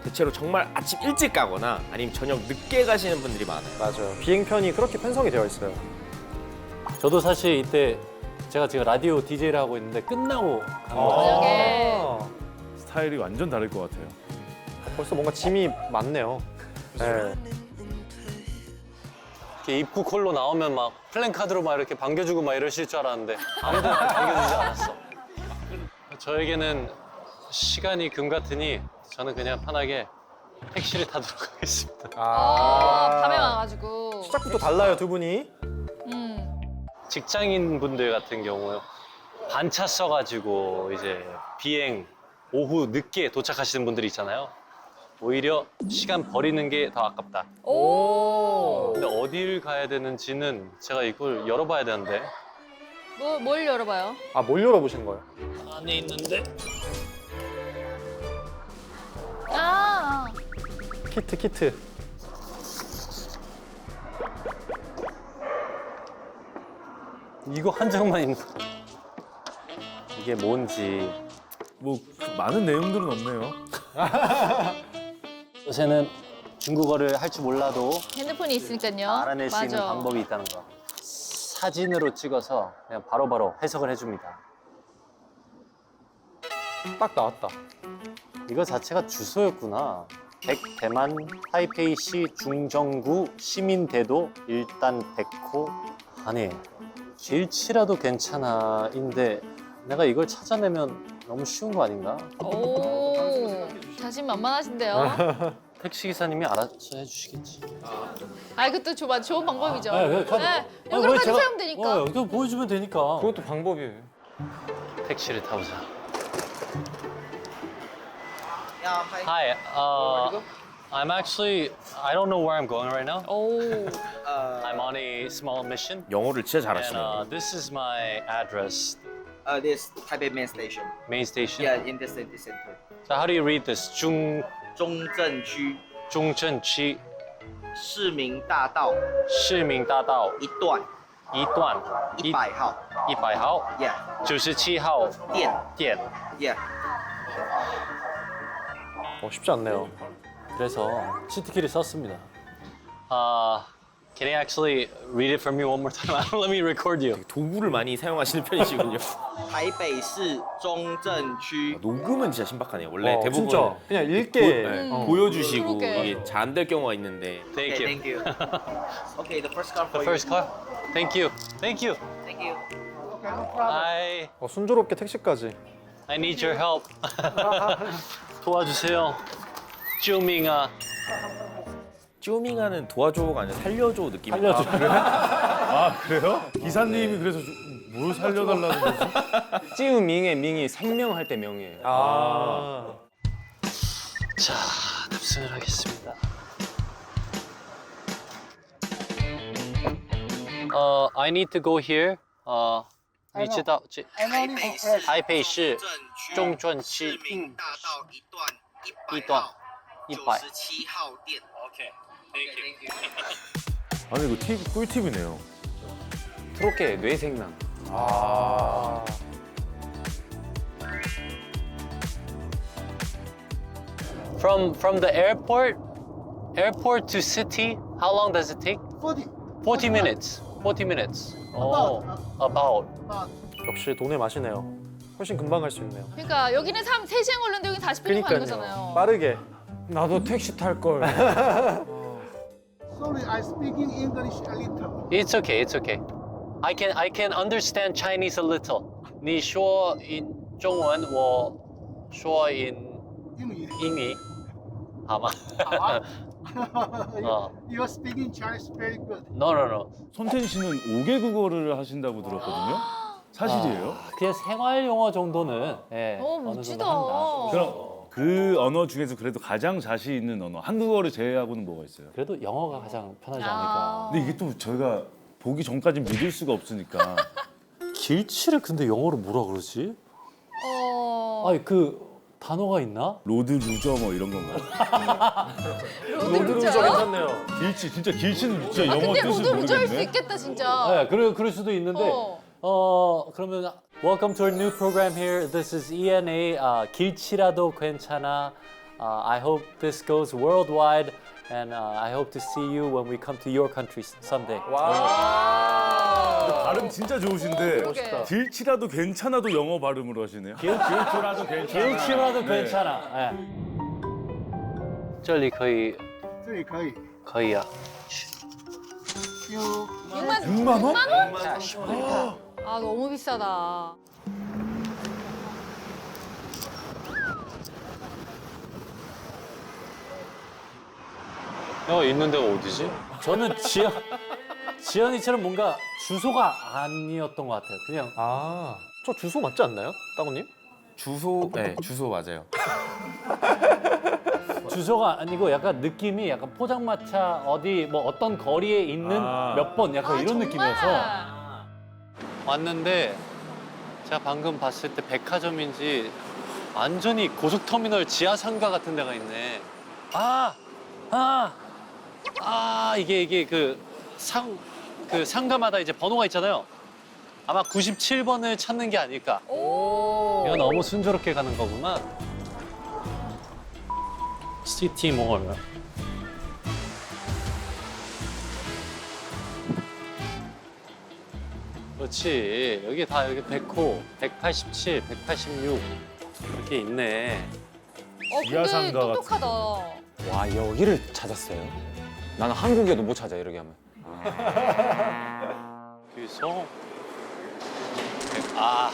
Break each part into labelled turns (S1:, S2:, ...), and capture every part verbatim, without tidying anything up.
S1: 대체로 정말 아침 일찍 가거나 아니면 저녁 늦게 가시는 분들이 많아요.
S2: 맞아요. 비행편이 그렇게 편성이 되어 있어요.
S3: 저도 사실 이때 제가 지금 라디오 디제이를 하고 있는데 끝나고 간 거예요.
S4: 저녁에.
S2: 아,
S5: 스타일이 완전 다를 것 같아요.
S2: 벌써 뭔가 짐이 많네요. 네.
S3: 이렇게 입구 콜로 나오면 막 플랜카드로 막 이렇게 반겨주고 막 이러실 줄 알았는데 아무도 반겨주지 않았어. 저에게는 시간이 금 같으니 저는 그냥 편하게 택시를 타도록 하겠습니다.
S4: 어, 밤에 와가지고.
S2: 시작부터 달라요, 두 분이.
S4: 음.
S3: 직장인 분들 같은 경우 반차 써가지고 이제 비행 오후 늦게 도착하시는 분들이 있잖아요. 오히려 시간 버리는 게 더 아깝다.
S4: 오.
S3: 근데 어딜 가야 되는지는 제가 이걸 열어봐야 되는데
S4: 뭐, 뭘 열어봐요?
S2: 아, 뭘 열어보신 거예요?
S3: 안에 있는데
S4: 아.
S2: 키트, 키트.
S3: 이거 한 장만 있는 이게 뭔지
S5: 뭐그 많은 내용들은 없네요.
S3: 요새는 중국어를 할 줄 몰라도
S4: 핸드폰이 있으니까요.
S3: 알아낼 수 있는
S4: 맞아.
S3: 방법이 있다는 거. 사진으로 찍어서 그냥 바로바로 해석을 해줍니다.
S2: 딱 나왔다.
S3: 이거 자체가 주소였구나. 백대만 타이페이시 중정구 시민대도 일단 백호. 아니 길치라도 괜찮아인데 내가 이걸 찾아내면 너무 쉬운 거 아닌가?
S4: 오. 자신만만하신데요.
S3: 택시 기사님이 알아서 해주시겠지.
S4: 아, 이것도 좋아, 좋은 방법이죠.
S3: 네, 네, 카드.
S4: 네,
S3: 아,
S4: 이걸로
S3: 왜
S4: 카드
S3: 제가-
S4: 사용 되니까.
S3: 어, 이거 보여주면 되니까.
S2: 그것도 방법이에요.
S3: 택시를 타보자. Hi, uh, I'm actually, I don't know where I'm going right now.
S4: 오.
S3: I'm on a small mission.
S1: 영어를 진짜
S3: And
S1: 잘하시네요.
S3: uh, this is my address,
S6: Uh, this Taipei main station.
S3: main station.
S6: Yeah, in the city center.
S3: So how do you read this? 중,
S6: 中正区
S3: 중천시
S6: 市民大道
S3: 市民大道
S6: 一段
S3: 一段
S6: 一百号。
S3: 一百号
S6: Yeah,
S3: 九十七号
S6: 店
S3: 店.
S6: Yeah.
S2: 어, 쉽지 않네요.
S3: 그래서 치트키를 썼습니다. Uh, can you actually read it for me one more time? Let me record you.
S1: 도구를 많이 사용하시는 편이시군요.
S6: 台北市中正区
S1: 녹음은 진짜 신박하네요. 원래
S2: 어,
S1: 대부분
S2: 진짜 그냥 읽게.
S1: 네,
S2: 어.
S1: 보여주시고
S4: 그러게.
S1: 이게 잘 안 될 경우가 있는데
S3: Thank
S6: Okay,
S3: you.
S6: thank you. Okay, the first car for
S3: The first car. Thank you. Thank you.
S6: you. Thank you.
S3: I
S2: 어, 순조롭게 택시까지.
S3: I need your help. 도와주세요. 쭈밍아.
S1: 쪼밍하는 도와줘가 아니라 살려줘 느낌.
S3: 살려줘.
S5: 아 그래요? 기사님이 그래서 좀- 뭘 살려달라는 거지?
S7: 찌우밍의 밍이 생명할 때 명이에요.
S2: 아.
S3: 자, 탑승을 하겠습니다. Uh, I need to go here. Uh, 你知道这台北市中正区
S6: 市民大道一段
S3: 一段一百
S6: 九十七号店。
S3: Okay.
S6: Thank you.
S5: 아니 이거 팁 꿀팁이네요.
S7: 트로케 뇌생남.
S2: 아.
S3: From from the airport, airport to city, how long does it take?
S8: forty.
S3: forty minutes. forty minutes. Oh, about.
S2: 역시 돈의 맛이네요. 훨씬 금방 갈 수 있네요.
S4: 그러니까 여기는 삼, 세 시간 걸렸는데 여기 사십 분이면 가는
S2: 그러니까요.
S4: 거잖아요.
S2: 빠르게.
S7: 나도 택시 탈 걸.
S8: Sorry, I speaking English a little.
S3: It's okay. It's okay. I can I can understand Chinese a little. 你说 in 中文，我说 in
S8: 英语。
S3: 英语，好吗？
S8: 好啊。
S3: 어.
S8: You are speaking Chinese very good.
S3: No, no, no.
S5: 손텐 씨는 오 개 국어를 하신다고 들었거든요. 사실이에요?
S3: 그냥 생활 영어 정도는 예,
S4: 오,
S3: 어느
S4: 멋지다.
S3: 정도 한다.
S5: 그럼 그 언어 중에서 그래도 가장 자신 있는 언어 한국어를 제외하고는 뭐가 있어요?
S3: 그래도 영어가 가장 편하지
S4: 아.
S3: 않을까.
S5: 근데 이게 또 저희가 보기 전까지 믿을 수가 없으니까
S3: 길치를 근데 영어로 뭐라 그러지?
S4: 어.
S3: 아니 그 단어가 있나?
S5: 로드 루저 뭐 이런 건가요?
S4: 로드 루저
S2: 괜찮네요.
S5: 길치 진짜 길치는 진짜
S4: 아,
S5: 영어
S4: 근데
S5: 뜻을
S4: 로드 루저 할 수
S5: 모르겠네.
S4: 있겠다, 진짜.
S3: 아, 그래 그럴 수도 있는데.
S4: 어.
S3: 어 그러면 Welcome to our new program here. This is E N A. 아, 길치라도 괜찮아. Uh, I hope this goes worldwide, and uh, I hope to see you when we come to your country someday.
S5: 발음 진짜 좋으신데
S4: 그러게.
S5: 길치라도 괜찮아도 영어 발음으로 하시네요. 길치라도 괜찮아.
S3: 길치라도 괜찮아. 예. 这里可以
S8: 这里可以。
S3: 可以啊。
S8: 有
S4: 육만
S5: 육만 원?
S4: 아 너무 비싸다.
S3: 어 있는 데가 어디지? 저는 지연 지연이처럼 뭔가 주소가 아니었던 것 같아요. 그냥
S2: 아, 저 주소 맞지 않나요? 따구님?
S1: 주소, 네, 주소 맞아요.
S3: 주소가 아니고 약간 느낌이 약간 포장마차 어디 뭐 어떤 거리에 있는
S5: 아.
S3: 몇 번 약간
S4: 아,
S3: 이런
S4: 정말?
S3: 느낌이어서 왔는데 제가 방금 봤을 때 백화점인지 완전히 고속터미널 지하 상가 같은 데가 있네. 아, 아, 아 이게 이게 그 상 그 상가마다 이제 번호가 있잖아요. 아마 구십칠 번을 찾는 게 아닐까.
S4: 오.
S3: 이거 너무 순조롭게 가는 거구만. 시티몰. 그렇지. 여기 다 여기 백 호, 백팔십칠, 백팔십육 이렇게 있네.
S4: 어 근데
S5: 지하상가 같은
S4: 똑똑하다.
S7: 와 여기를 찾았어요? 나는 한국에도 못 찾아 이렇게 하면.
S3: 여기서 아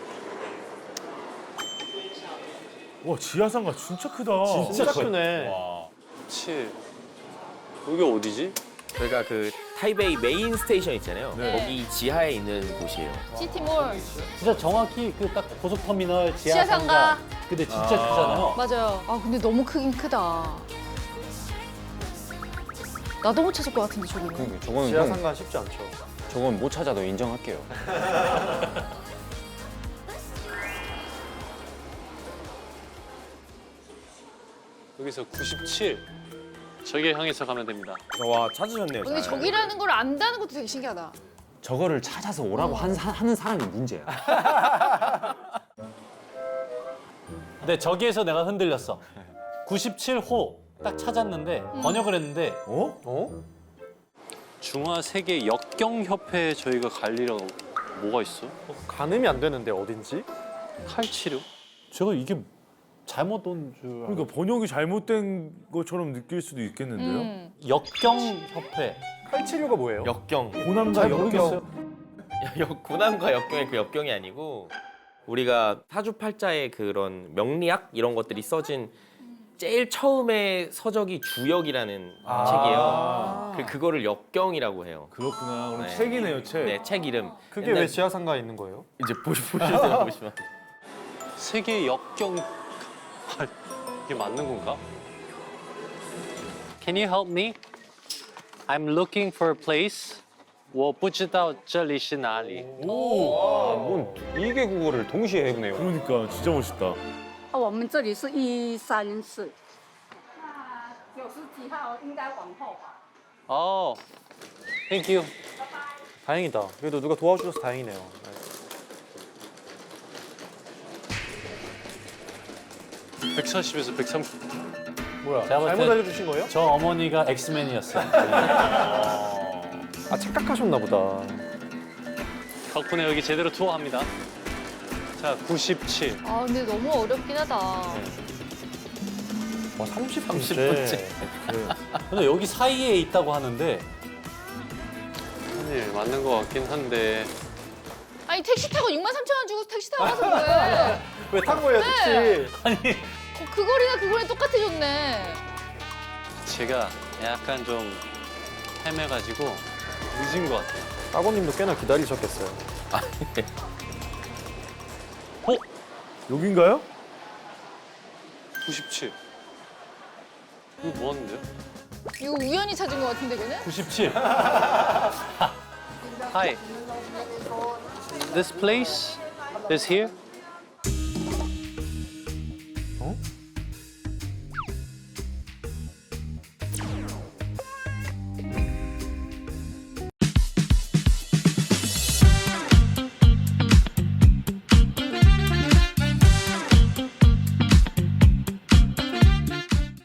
S5: 와 지하상가 진짜 크다.
S2: 진짜 크네.
S5: 와.
S3: 그렇지. 여기 어디지?
S1: 저희가 그 타이베이 메인 스테이션 있잖아요.
S4: 네.
S1: 거기 지하에 있는 곳이에요.
S4: 시티몰.
S3: 진짜 정확히 그 딱 고속터미널
S4: 지하상가.
S3: 지하상가. 근데 진짜 크잖아요.
S4: 맞아요. 아 근데 너무 크긴 크다. 나도 못 찾을 것 같은데 저기는.
S7: 그러니까 저거는
S2: 지하
S7: 형,
S2: 상가 쉽지 않죠.
S7: 저건 못 찾아도 인정할게요.
S3: 여기서 구십칠. 저기 향해서 가면 됩니다.
S1: 와 찾으셨네요.
S4: 근데
S1: 잘.
S4: 저기라는 걸 안다는 것도 되게 신기하다.
S7: 저거를 찾아서 오라고 한, 사- 하는 사람이 문제야.
S3: 근데 저기에서 내가 흔들렸어. 구십칠 호 딱 찾았는데 번역을 했는데
S5: 어?
S2: 어?
S3: 중화 세계 역경 협회에 저희가 갈 일이라고 뭐가 있어?
S2: 가늠이 안 되는데 어딘지?
S3: 칼치료? 제가 이게 잘못 온 줄 알고.
S5: 그러니까 번역이 잘못된 것처럼 느낄 수도 있겠는데요.
S4: 음.
S3: 역경 협회.
S2: 칼치료가 뭐예요?
S1: 역경.
S5: 고난과
S3: 잘
S5: 역경.
S3: 모르겠어요.
S1: 역 고난과 역경의 그 역경이 아니고 우리가 사주팔자의 그런 명리학 이런 것들이 써진 제일 처음에 서적이 주역이라는
S5: 아.
S1: 책이에요. 그 그거를 역경이라고 해요.
S5: 그렇구나. 그럼
S1: 네.
S5: 책이네요, 책.
S1: 네, 책 이름.
S2: 그게
S1: 옛날-
S2: 왜 지하 상가에 있는 거예요?
S1: 이제 보시 보시면 보시면.
S3: 세계 역경 이게 맞는 건가? Can you help me? I'm looking for a place. 我不知道这里是哪里.
S7: 아, 뭔 이게 국어를 동시에 해보네요.
S5: 그러니까 진짜 멋있다.
S9: 啊，我们这里是一三四。九十几号应该往后吧。
S3: Oh, thank you.
S2: 다행이다. 그래도 누가 도와주셔서 다행이네요. 네.
S3: 백사십에서 백삼십.
S2: 뭐야?
S3: 제가 볼
S2: 잘못
S3: 땐-
S2: 알려주신 거예요?
S3: 저 어머니가 엑스맨이었어요.
S2: 아 착각하셨나 보다.
S3: 덕분에 여기 제대로 투어합니다. 자, 구십칠.
S4: 아 근데 너무 어렵긴 하다.
S2: 와 삼십 분째.
S1: 삼십 분째.
S3: 근데 여기 사이에 있다고 하는데 아니 맞는 것 같긴 한데
S4: 아니 택시 타고 육만 삼천 원 주고 택시 타고 가서 뭐해?
S2: 왜 탄 거예요, 택시?
S3: 아니
S4: 어, 그 거리나 그 거리 똑같아졌네.
S3: 제가 약간 좀 헤매가지고 늦은 것 같아요.
S2: 따고님도 꽤나 기다리셨겠어요.
S3: 어?
S5: 여긴가요?
S3: 구십칠. 이거 뭐 하는데요?
S4: 이거 우연히 찾은 것 같은데 걔는?
S3: 구십칠. Hi. This place is here?